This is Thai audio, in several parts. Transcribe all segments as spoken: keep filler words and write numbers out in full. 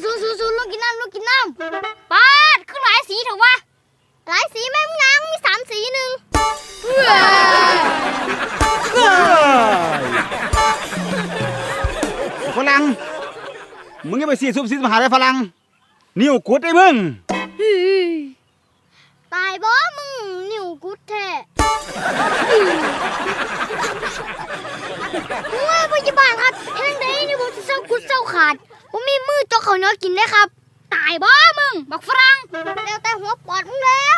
สูสูสูลูกกินน้ำลูกกินน้ำปาดคือหลายสีเถอะวะหลายสีแม่งนางมีสามสีหนึ่งฝรั่งมึงยังไปสีซุบซิบมาหาได้ฝรั่งนิ้วกุดไอ้มึงตายบ่มึงนิ้วกุดแท้โอ้ยพยาบาลครับเอ็งได้นี่ผมจะเศร้ากุดเศร้าขาดผมมีมือจกเขาเนื้อกินได้ครับตายบ่มึงบักฝรั่งแล้วแต่หัวปอดมึงแล้ว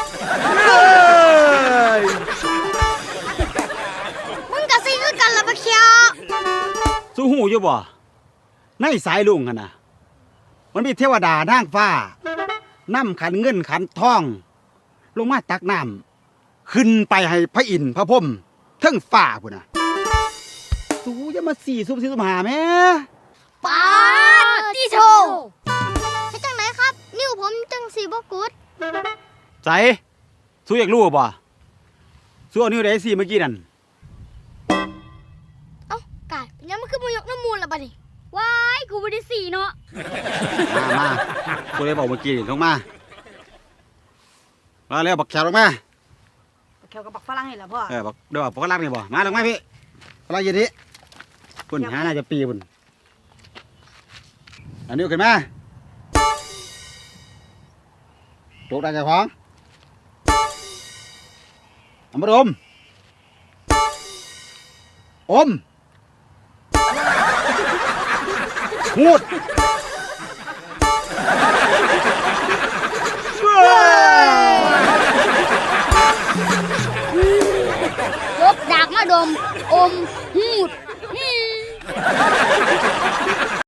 มึงกับซีคือกันละปะเคียวสู้หูอยู่บ่ในสายลุงกันนะมันมีเทวดานางฟ้าน้ำขันเงินขันทองลงมาตักน้ำขึ้นไปให้พระอินทร์พระพรหมเทั้งฟ้าพุ่นน่ะสู้จะมาสี่ซุบซิบมาหาแม่ปาติโชให้จังไหนครับนิ้วผมจังสีบกุดใจสู้อยากรู้บ่สู้เอานิ้วไหนสี่เมื่อกี้นั่นเอ้ากายยังมันคือมายกน้ำมูลละบัดนี้ว้ายกูไม่ได้สีเนาะมามากูเลยบอกเมื่อกี้ลงมามาแล้วบักแขวลงมาบักแขวกับบักฝรั่งนี่แหละพ่อเออบักเดี๋ยวบักฝรั่งนี่บ่มาลงมาพี่ฝรั่งยืนนี้ปุ่นหาน่าจะปีปุ่นอันนี้ขึ้นมาตกได้ใจของอมรมอมพูดลบดากมาดมอมหูด